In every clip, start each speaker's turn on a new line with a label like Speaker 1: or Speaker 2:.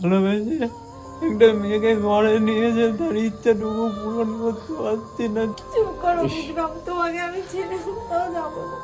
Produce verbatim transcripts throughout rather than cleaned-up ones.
Speaker 1: ভালোবেসে একটা মেয়েকে ঘরে নিয়েছে, তার ইচ্ছাটুকু পূরণ করতে পারছি না।
Speaker 2: চুপ করো বিক্রম, তোমাকে আমি ছেড়ে কোথাও যাবো না।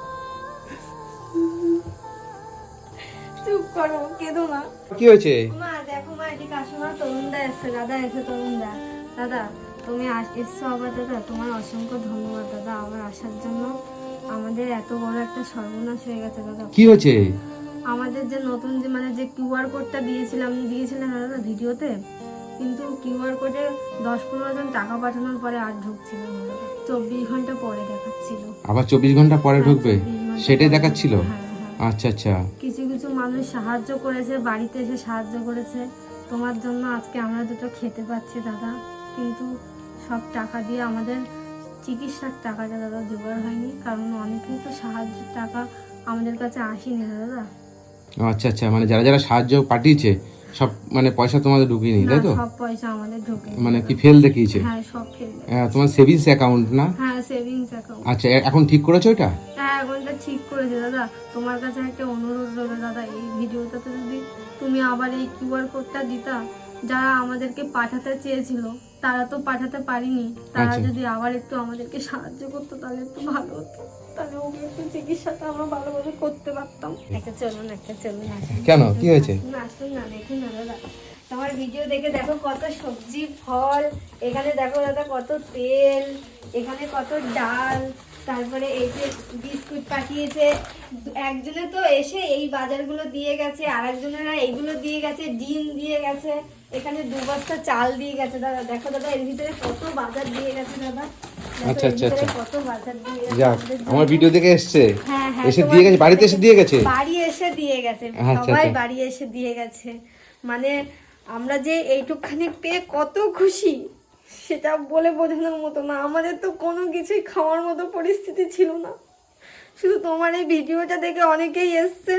Speaker 2: চুপ করো, কেঁদো না।
Speaker 3: কি হয়েছে?
Speaker 2: মা দেখো, মা এদিকে আসো, মা তরুণদা এসছে, দাদা এসে তরুণদা। দাদা তুমি আস- এসছো আবার। দাদা তোমার অসংখ্য ধন্যবাদ দাদা আবার আসার জন্য। আমাদের এত বড় একটা সর্বনাশ হয়ে গেছে দাদা।
Speaker 3: কি হয়েছে?
Speaker 2: আমাদের যে নতুন যে মানে যে কিউআর কোডটা দিয়েছিলাম দিয়েছিলেন না দাদা ভিডিওতে, কিন্তু কিউআর কোডে দশ পনেরো জন টাকা পাঠানোর পরে আর ঢুকছিল না দাদা। চব্বিশ ঘন্টা পরে দেখাচ্ছিল।
Speaker 3: আবার চব্বিশ ঘন্টা পরে ঢুকবে
Speaker 2: চব্বিশ ঘন্টা
Speaker 3: সেটাই
Speaker 2: পরে।
Speaker 3: দেখাচ্ছিল?
Speaker 2: হ্যাঁ, হ্যাঁ।
Speaker 3: আচ্ছা আচ্ছা।
Speaker 2: কিছু কিছু মানুষ সাহায্য করেছে, বাড়িতে এসে সাহায্য করেছে। তোমার জন্য আজকে আমরা দুটো খেতে পাচ্ছি দাদা, কিন্তু সব টাকা দিয়ে আমাদের চিকিৎসার টাকাটা দাদা জোগাড় হয়নি, কারণ অনেকেই তো সাহায্যের টাকা আমাদের কাছে আসেনি দাদা।
Speaker 3: আচ্ছা আচ্ছা, মানে যারা যারা সাহায্য পাঠিয়েছে সব মানে পয়সা তোমাদের ঢুকিয়ে নি,
Speaker 2: না,
Speaker 3: তাই তো?
Speaker 2: সব পয়সা আমাদের ঢোকে।
Speaker 3: মানে কি ফেল দেখিয়েছে?
Speaker 2: হ্যাঁ, সব ফেল।
Speaker 3: আহ, তোমার সেভিংস অ্যাকাউন্ট না?
Speaker 2: হ্যাঁ, সেভিংস অ্যাকাউন্ট।
Speaker 3: আচ্ছা, এ- এখন ঠিক করেছো এটা?
Speaker 2: হ্যাঁ, এখনটা ঠিক করেছে দাদা। তোমার কাছে একটা অনুরোধ রইল দাদা, এই ভিডিওটাতে যদি তুমি আবার এই কিউআর কোডটা দিতা, যারা আমাদেরকে পাঠাতে চেয়েছিল তারা তো পাঠাতে পারিনি, তারা
Speaker 3: আচ্ছা।
Speaker 2: যদি আবার একটু আমাদেরকে সাহায্য করতো তাহলে একটু ভালো হতো, তাহলে ওকে একটু চিকিৎসাটা আমরা ভালোভাবে করতে পারতাম। একটা চলুন, একটা চলুন, আসুন।
Speaker 3: কেন, কি হয়েছে?
Speaker 2: আসুন, আসুন না, দেখুন না দাদা, তোমার ভিডিও দেখে দেখো কত সবজি ফল, এখানে দেখো দাদা কত তেল, এখানে কত ডাল, তারপরে এই যে বিস্কুট পাঠিয়েছে। একজনে তো এসে এই বাজারগুলো দিয়ে গেছে, আর একজনেরা এইগুলো দিয়ে গেছে, ডিম দিয়ে গেছে, এখানে দু বস্তা চাল দিয়ে গেছে দাদা। দেখো দাদা এর ভিতরে কত বাজার দিয়ে গেছে দাদা। দেখো
Speaker 3: আচ্ছা,
Speaker 2: এর
Speaker 3: আচ্ছা,
Speaker 2: ভিতরে
Speaker 3: আচ্ছা।
Speaker 2: কত বাজার দিয়ে গেছে
Speaker 3: যাক,
Speaker 2: আমাদের জন্য।
Speaker 3: আমার ভিডিও দেখে এসছে,
Speaker 2: হ্যাঁ, হ্যাঁ,
Speaker 3: এসে
Speaker 2: তোমার
Speaker 3: দিয়ে গেছে, বাড়িতে এসে দিয়ে গেছে?
Speaker 2: বাড়ি এসে দিয়ে গেছে,
Speaker 3: আচ্ছা,
Speaker 2: সবাই
Speaker 3: আচ্ছা।
Speaker 2: বাড়ি এসে দিয়ে গেছে। মানে আমরা যে এইটুকখানি পেয়ে কত খুশি সেটা বলে বোঝানোর মতো না। আমাদের তো কোনো কিছুই খাওয়ার মতো পরিস্থিতি ছিল না, শুধু তোমার এই ভিডিওটা দেখে অনেকেই এসছে।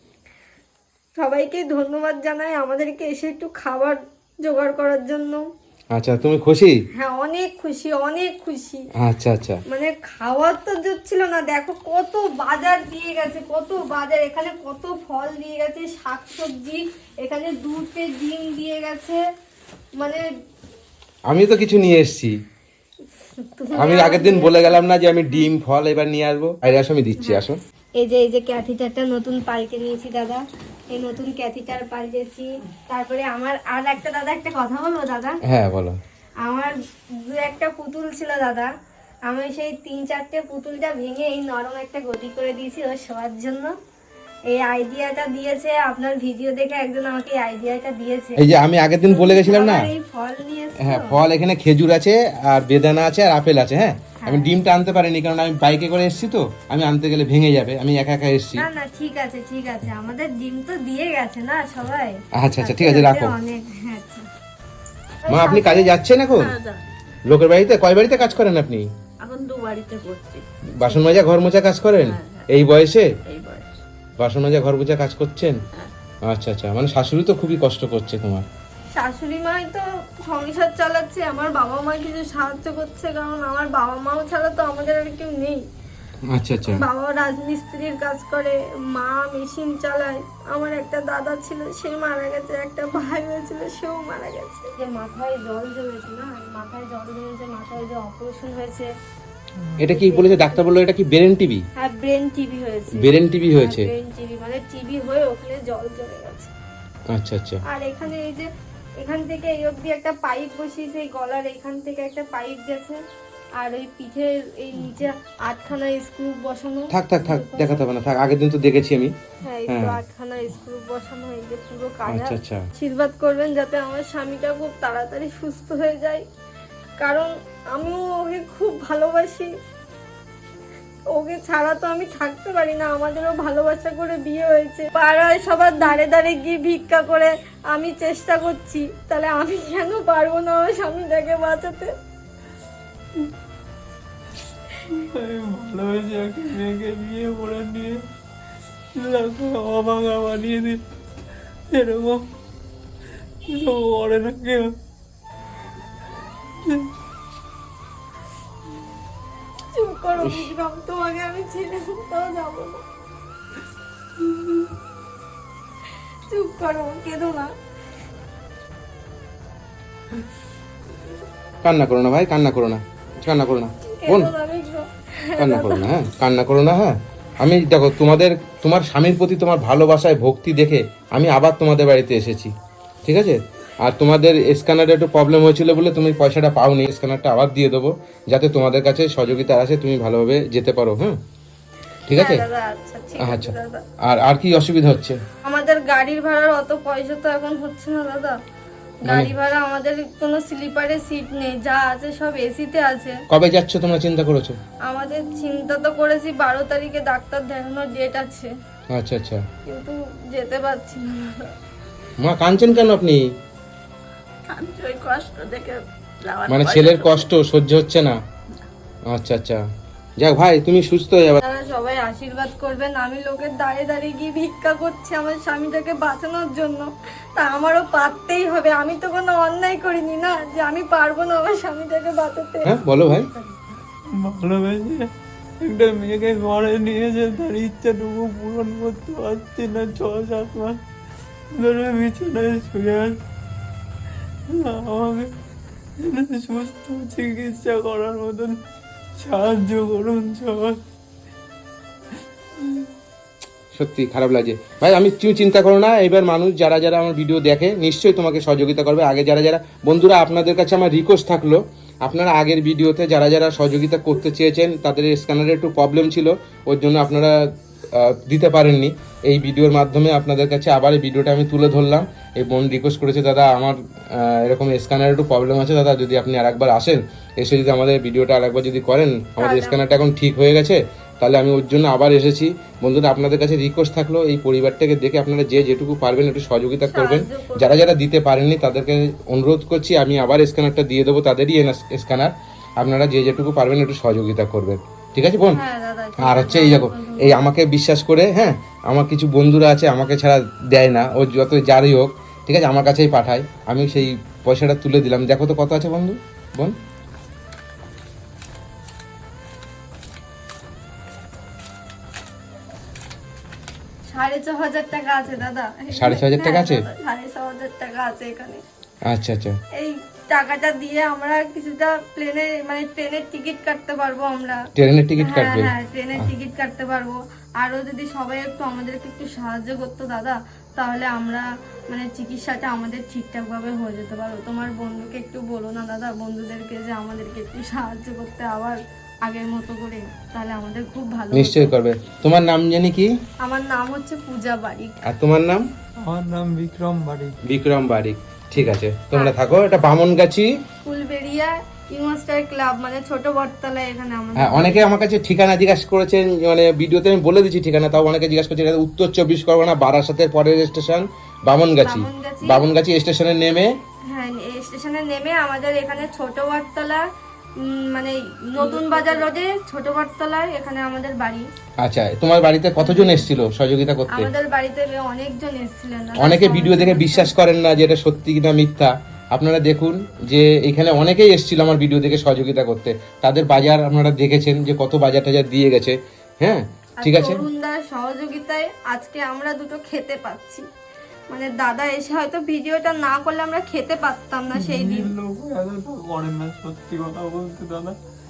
Speaker 2: সবাইকে ধন্যবাদ জানাই আমাদেরকে এসে একটু খাবার জোগাড় করার জন্য।
Speaker 3: আচ্ছা, তুমি খুশি?
Speaker 2: হ্যাঁ, অনেক খুশি, অনেক খুশি।
Speaker 3: আচ্ছা আচ্ছা।
Speaker 2: মানে খাওয়ার তো জুটছিল না, দেখো কত বাজার দিয়ে গেছে, কত বাজার, এখানে কত ফল দিয়ে গেছে, শাকসবজি, এখানে দুধে ডিম দিয়ে গেছে। মানে
Speaker 3: আমি তো কিছু নিয়ে এসেছি।
Speaker 2: তুমি
Speaker 3: আমি
Speaker 2: আমার
Speaker 3: আগের দিন
Speaker 2: নিয়ে-
Speaker 3: বলে গেলাম না যে আমি ডিম ফল এবার নিয়ে আসবো? আরে আসো, আমি দিচ্ছি, আসো।
Speaker 2: এই যে এই যে ক্যাথিটারটা নতুন পাল্টে নিয়েছি দাদা, এই নতুন ক্যাথিটার পাল্টেছি। তারপরে আমার আর একটা দাদা একটা কথা বলবো দাদা।
Speaker 3: হ্যাঁ বলো।
Speaker 2: আমার দু একটা পুতুল ছিল দাদা, আমি সেই তিন চারটে পুতুলটা ভেঙে এই নরম একটা গদি করে দিয়েছি ওর শোয়ার জন্য। এই আইডিয়াটা দিয়েছে আপনার ভিডিও দেখে একজন আমাকে এই আইডিয়াটা দিয়েছে।
Speaker 3: এই যে আমি আগের দিন বলে গেছিলাম না,
Speaker 2: আবার এই ফল নিয়ে এসছো?
Speaker 3: হ্যাঁ ফল এখানে খেজুর আছে আর বেদানা আছে আর আপেল আছে। হ্যাঁ, আমি ডিমটা আনতে পারিনি কারণ আমি বাইকে করে এসেছি, তো আমি আনতে গেলে ভেঙে যাবে, আমি একা একা এসেছি।
Speaker 2: না না, ঠিক আছে ঠিক আছে, আমাদের ডিম তো দিয়ে গেছে না সবাই।
Speaker 3: আচ্ছা আচ্ছা, ঠিক আছে, রাখো।
Speaker 2: অনেক, হ্যাঁ, আচ্ছা।
Speaker 3: মা আপনি কাজে যাচ্ছেন এখন? লোকের বাড়িতে? কয় বাড়িতে কাজ করেন আপনি?
Speaker 4: এখন দু বাড়িতে করছি।
Speaker 3: বাসন মাজা ঘর মোছা কাজ করেন
Speaker 4: হ্যাঁ, হ্যাঁ।
Speaker 3: এই বয়সে?
Speaker 4: এই বয়স।
Speaker 3: বাসন মাজা ঘর মোছা কাজ করছেন? আচ্ছা আচ্ছা, মানে শাশুড়ি তো খুবই কষ্ট করছে তোমার।
Speaker 2: শাশুড়ি মাই তো সংসার চালাচ্ছে, আমার বাবা মা কিছু সাহায্য করছে, কারণ আমার বাবা মাও ছাড়া তো আমাদের আর কেউ নেই।
Speaker 3: আচ্ছা আচ্ছা।
Speaker 2: বাবা রাজমিস্ত্রির কাজ করে, মা মেশিন চালায়, আমার একটা দাদা ছিল সে মারা গেছে, একটা ভাই হয়েছিল সেও মারা গেছে। যে মাথায় জল জমেছে না, মাথায় জল জমেছে, মাথায় যে অপারেশন হয়েছে।
Speaker 3: এটা কি বলেছে ডাক্তার? বললো এটা কি ব্রেন টিভি?
Speaker 2: হ্যাঁ, ব্রেন টিভি হয়েছে।
Speaker 3: ব্রেন টিভি হয়েছে?
Speaker 2: ব্রেন টিভি মানে টিভি হয়ে ওখানে জল জমে গেছে।
Speaker 3: আচ্ছা আচ্ছা।
Speaker 2: আর এখানে এই যে এখান থেকে এই অবধি একটা পাইপ বসিয়েছে, এই গলার এখান থেকে একটা পাইপ গেছে, আর ওই পিঠের এই নিচে আটখানা স্ক্রু বসানো।
Speaker 3: থাক থাক থাক, দেখাতে হবে না, থাক, আগের দিন তো দেখেছি আমি।
Speaker 2: হ্যাঁ, এই তো
Speaker 3: হ্যাঁ।
Speaker 2: আটখানা স্ক্রু বসানো, এই যে পুরো কাজ।
Speaker 3: আচ্ছা আচ্ছা।
Speaker 2: আশীর্বাদ করবেন যাতে আমার স্বামীটা খুব তাড়াতাড়ি সুস্থ হয়ে যায়, কারণ আমিও ওকে খুব ভালোবাসি। ওকে ছাড়া তো আমি থাকতে পারি না, আমাদেরও ভালোবাসা করে বিয়ে হয়েছে। পাড়ায় সবার দাঁড়ে দাঁড়ে গিয়ে ভিক্ষা করে আমি চেষ্টা করছি, তাহলে আমি কেন পারবো না আমার স্বামীটাকে বাঁচাতে?
Speaker 1: আমি ভালোবেসে একটা মেয়েকে বিয়ে করে নিয়ে তাকে অভাঙা বানিয়ে দিই, এরকম কিছু করে না কেউ।
Speaker 2: চুপ করো বিক্রম, তোমাকে আমি ছেড়ে কোথাও যাবো না। চুপ করো, কেঁদো না।
Speaker 3: কান্না করো না ভাই, কান্না করো না, কান্না করো না বোন, কান্না করো না, হ্যাঁ কান্না করো না। হ্যাঁ আমি দেখো তোমাদের, তোমার স্বামীর প্রতি তোমার ভালোবাসায় ভক্তি দেখে আমি আবার তোমাদের বাড়িতে এসেছি, ঠিক আছে? আর তোমাদের স্ক্যানারে একটু প্রবলেম হয়েছিল বলে তুমি পয়সাটা পাওনি, স্ক্যানারটা আবার দিয়ে দেবো যাতে তোমাদের কাছে সহযোগিতা আসে, তুমি ভালোভাবে যেতে পারো। হ্যাঁ ঠিক আছে?
Speaker 2: দাদা আচ্ছা ঠিক আছে
Speaker 3: আচ্ছা,
Speaker 2: দাদা।
Speaker 3: আর আর কি অসুবিধা হচ্ছে?
Speaker 2: আমাদের গাড়ির ভাড়ার অত পয়সা তো এখন হচ্ছে না দাদা। গাড়ি ভাড়া আমাদের কোনো স্লিপারে সিট নেই, যা আছে সব এসিতে আছে।
Speaker 3: কবে যাচ্ছ তোমরা চিন্তা করেছো?
Speaker 2: আমাদের চিন্তা তো করেছি বারো তারিখে ডাক্তার দেখানোর ডেট আছে,
Speaker 3: আচ্ছা আচ্ছা।
Speaker 2: কিন্তু যেতে পারছি না দাদা।
Speaker 3: মা কাঁদছেন কেন আপনি?
Speaker 4: আমি তো ওই কষ্ট দেখে যাওয়ার
Speaker 3: মানে
Speaker 4: পয়সা
Speaker 3: ছেলের
Speaker 4: তো-
Speaker 3: কষ্ট সহ্য হচ্ছে না? আচ্ছা আচ্ছা, যাক ভাই তুমি সুস্থ হয়ে যাবে।
Speaker 2: আপনারা সবাই আশীর্বাদ করবেন। আমি লোকের দাঁড়িয়ে দাঁড়িয়ে গিয়ে ভিক্ষা করছি আমার স্বামীটাকে বাঁচানোর জন্য, তা আমারও পারতেই হবে। আমি তো কোনো অন্যায় করিনি না যে আমি পারবো না আমার স্বামীটাকে বাঁচাতে।
Speaker 3: হ্যাঁ বলো ভাই।
Speaker 1: ভালোবেসে একটা মেয়েকে ঘরে নিয়েছে, তার ইচ্ছাটুকু পূরণ করতে পারছি না। ছ সাত মাস ধরে বিছানায় শুয়ে আছে। আমাকে সুস্থ চিকিৎসা করার মতন সাহায্য করুন সবাই।
Speaker 3: সত্যি খারাপ লাগছে ভাই। আমি তুমি চিন্তা করো না, এবার মানুষ যারা যারা আমার ভিডিও দেখে নিশ্চয়ই তোমাকে সহযোগিতা করবে। আগে যারা যারা বন্ধুরা, আপনাদের কাছে আমার রিকোয়েস্ট থাকলো, আপনারা আগের ভিডিওতে যারা যারা সহযোগিতা করতে চেয়েছেন তাদের স্ক্যানারে একটু প্রবলেম ছিল, ওর জন্য আপনারা আহ, দিতে পারেননি। এই ভিডিওর মাধ্যমে আপনাদের কাছে আবার এই ভিডিওটা আমি তুলে ধরলাম। এই বোন রিকোয়েস্ট করেছে, দাদা আমার আহ, এরকম স্ক্যানারে একটু প্রবলেম আছে দাদা, যদি আপনি আরেকবার আসেন, এসে যদি আমাদের ভিডিওটা আরেকবার যদি করেন, আমাদের স্ক্যানারটা এখন ঠিক হয়ে গেছে, তাহলে আমি ওর জন্য আবার এসেছি। বন্ধুরা আপনাদের কাছে রিকোয়েস্ট থাকলো, এই পরিবারটাকে দেখে আপনারা যে যেটুকু পারবেন একটু সহযোগিতা করবেন। যারা যারা দিতে পারেননি তাদেরকে অনুরোধ করছি, আমি আবার স্ক্যানারটা দিয়ে দেবো, তাদেরই স্ক্যানার। আপনারা যে যেটুকু পারবেন একটু সহযোগিতা করবেন, ঠিক আছে বোন?
Speaker 2: হ্যাঁ দাদা।
Speaker 3: আর হচ্ছে এই দেখো, এই আমাকে বিশ্বাস করে, হ্যাঁ আমার কিছু বন্ধুরা আছে আমাকে ছাড়া দেয় না, ও যত যারই হোক ঠিক আছে আমার কাছেই পাঠায়, আমি সেই পয়সাটা তুলে দিলাম। দেখো তো কত আছে বন্ধু, বোন?
Speaker 2: সাড়ে ছ হাজার টাকা আছে দাদা।
Speaker 3: সাড়ে ছ হাজার টাকা আছে?
Speaker 2: হ্যাঁ, দাদা, সাড়ে ছ হাজার টাকা আছে এখানে।
Speaker 3: আচ্ছা আচ্ছা।
Speaker 2: এই টাকাটা দিয়ে আমরা কিছুটা প্লেনে মানে ট্রেনের টিকিট কাটতে পারবো আমরা।
Speaker 3: ট্রেনের টিকিট
Speaker 2: হ্যাঁ
Speaker 3: কাটবে?
Speaker 2: হ্যাঁ ট্রেনের টিকিট কাটতে পারবো। আরো যদি সবাই একটু আমাদেরকে একটু সাহায্য করতো দাদা, তাহলে আমরা মানে চিকিৎসাটা আমাদের ঠিকঠাক ভাবে হয়ে যেতে পারবো। তোমার বন্ধুকে একটু বলো না দাদা, বন্ধুদেরকে যে আমাদেরকে একটু সাহায্য করতে আবার আগের মতো করে, তাহলে আমাদের খুব ভালো হতো।
Speaker 3: নিশ্চয়ই করবে। তোমার নাম জানি কি?
Speaker 2: আমার নাম হচ্ছে পূজা বারিক।
Speaker 3: আর তোমার নাম?
Speaker 1: আমার নাম বিক্রম বাড়ি।
Speaker 3: বিক্রম বারিক। ঠিক আছে, তোমরা থাকো। এটা বামনগাছি
Speaker 2: ফুলবেড়িয়া ইউমাস্টার ক্লাব, মানে ছোট বটতলা এখানে আমাদের।
Speaker 3: হ্যাঁ, অনেকে আমার কাছে ঠিকানা জিজ্ঞাসা করেছেন, মানে ভিডিওতে আমি বলে দিচ্ছি ঠিকানা, তাও অনেকে জিজ্ঞাসা করছেন এটা উত্তর চব্বিশ পরগনা বারাসাতের পরের স্টেশন বামনগাছি।
Speaker 2: বামনগাছি।
Speaker 3: বামনগাছি স্টেশনে নেমে,
Speaker 2: হ্যাঁ এই স্টেশনে নেমে আমাদের এখানে ছোট বটতলা, উম, মানে নতুন বাজার রোডে ছোট বটতলায় এখানে আমাদের বাড়ি।
Speaker 3: আচ্ছা তোমার বাড়িতে কতজন এসেছিল সহযোগিতা করতে?
Speaker 2: আমাদের বাড়িতে অনেকজন এসেছিলেন।
Speaker 3: অনেকে ভিডিও দেখে বিশ্বাস করেন না যে এটা সত্যি কিনা মিথ্যা। আপনারা দেখুন যে এখানে অনেকেই এসেছিল আমার ভিডিও দেখে সহযোগিতা করতে, তাদের বাজার আপনারা দেখেছেন যে কত বাজার টাজার দিয়ে গেছে। হ্যাঁ ঠিক আছে,
Speaker 2: তরুণদার সহযোগিতায় আজকে আমরা দুটো খেতে পাচ্ছি। মানে দাদা এসে হয়তো ভিডিওটা না করলে আমরা খেতে পারতাম না সেই দিন।
Speaker 1: লোক এতটা করেন না, সত্যি কথা বলতে দাদা।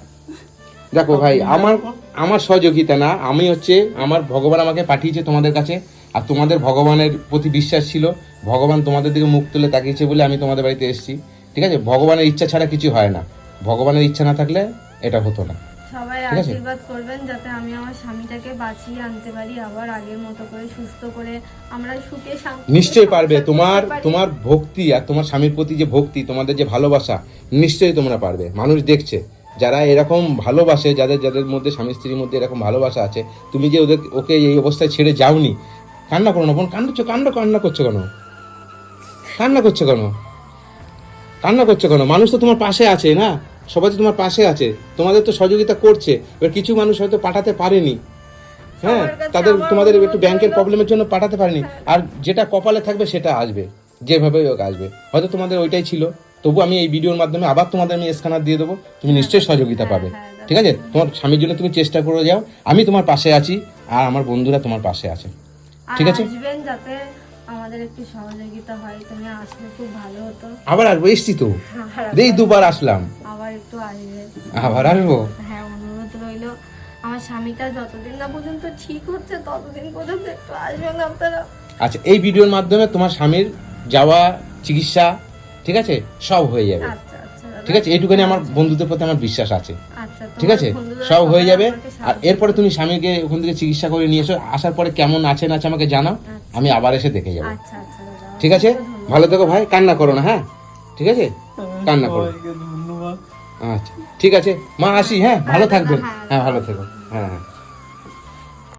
Speaker 3: দেখো ভাই, আমার আমার সহযোগিতা না, আমি হচ্ছে আমার ভগবান আমাকে পাঠিয়েছে তোমাদের কাছে, আর তোমাদের ভগবানের প্রতি বিশ্বাস ছিল, ভগবান তোমাদের দিকে মুখ তুলে তাকিয়েছে বলে আমি তোমাদের বাড়িতে এসেছি। ঠিক আছে, ভগবানের ইচ্ছা ছাড়া কিছু হয় না, ভগবানের ইচ্ছা না থাকলে এটা হতো না।
Speaker 2: সবাই
Speaker 3: ঠিক আছে?
Speaker 2: আশীর্বাদ করবেন যাতে আমি আমার স্বামীটাকে বাঁচিয়ে আনতে পারি আবার আগের মতো করে, সুস্থ করে আমরা সুখে শান্তিতে
Speaker 3: নিশ্চয়ই পারবে।
Speaker 2: সংসার
Speaker 3: তোমার
Speaker 2: করতে পারি।
Speaker 3: তোমার ভক্তি আর তোমার স্বামীর প্রতি যে ভক্তি, তোমাদের যে ভালোবাসা, নিশ্চয়ই তোমরা পারবে। মানুষ দেখছে যারা এরকম ভালোবাসে, যাদের যাদের মধ্যে স্বামী স্ত্রীর মধ্যে এরকম ভালোবাসা আছে, তুমি যে ওদের ওকে এই অবস্থায় ছেড়ে যাওনি। কান্না করো না বোন, কান্নাচ্ছ কান্না কান্না করছো কেন? কান্না করছো কেন? কান্না করছো কেন? মানুষ তো তোমার পাশে আছে না, সবাই তো তোমার পাশে আছে, তোমাদের তো সহযোগিতা করছে। এবার কিছু মানুষ হয়তো পাঠাতে পারেনি, হ্যাঁ
Speaker 2: সবার কাছে
Speaker 3: তাদের
Speaker 2: আমার
Speaker 3: তোমাদের
Speaker 2: অনুরোধ
Speaker 3: একটু ব্যাংকের
Speaker 2: রইলো।
Speaker 3: প্রবলেমের জন্য পাঠাতে পারেনি, আর যেটা কপালে থাকবে সেটা আসবে, যেভাবে হোক আসবে। হয়তো তোমাদের ওইটাই ছিল, তবু আমি এই ভিডিওর মাধ্যমে আবার তোমাদের আমি স্ক্যানার দিয়ে দেবো, তুমি নিশ্চয়ই সহযোগিতা পাবে।
Speaker 2: হ্যাঁ, হ্যাঁ,
Speaker 3: ঠিক আছে, তোমার স্বামীর জন্য তুমি চেষ্টা করে যাও, আমি তোমার পাশে আছি, আর আমার বন্ধুরা তোমার পাশে আছে।
Speaker 2: আর
Speaker 3: ঠিক আছে?
Speaker 2: আসবেন যাতে আমাদের একটু সহযোগিতা হয়, তুমি আসলে খুব ভালো হতো।
Speaker 3: আবার আসবো, এসছি তো,
Speaker 2: আর
Speaker 3: এই দুবার আসলাম,
Speaker 2: আবার একটু আসবে।
Speaker 3: আবার আসবো।
Speaker 2: হ্যাঁ, অনুরোধ রইলো। আমার স্বামীটা যতদিন না পর্যন্ত ঠিক হচ্ছে ততদিন পর্যন্ত একটু আসবেন আপনারা।
Speaker 3: আচ্ছা, এই ভিডিওর মাধ্যমে তোমার স্বামীর যাওয়া, চিকিৎসা, ঠিক আছে, সব হয়ে যাবে।
Speaker 2: আচ্ছা আচ্ছা দাদা।
Speaker 3: ঠিক আছে, এইটুখানি আমার বন্ধুদের প্রতি আমার বিশ্বাস আছে।
Speaker 2: আচ্ছা,
Speaker 3: ঠিক
Speaker 2: তোমার
Speaker 3: আছে,
Speaker 2: বন্ধুরা
Speaker 3: সব হয়ে
Speaker 2: সবাই
Speaker 3: যাবে।
Speaker 2: আমাকে
Speaker 3: আর
Speaker 2: সাহায্য
Speaker 3: এরপরে তুমি স্বামীকে ওখান থেকে চিকিৎসা করে নিয়ে এসো, আসার পরে কেমন আছে না আছে আমাকে জানাও, আমি আবার এসে দেখে যাবো।
Speaker 2: আচ্ছা আচ্ছা দাদা।
Speaker 3: ঠিক আছে, ভালো থেকো ভাই, কান্না করো না, হ্যাঁ ঠিক আছে, কান্না করো।
Speaker 1: সবাইকে ধন্যবাদ।
Speaker 3: আচ্ছা ঠিক আছে মা, আসি, হ্যাঁ ভালো
Speaker 2: হ্যাঁ,
Speaker 3: থাকবেন,
Speaker 2: হ্যাঁ,
Speaker 3: হ্যাঁ ভালো থেকো, হ্যাঁ হ্যাঁ।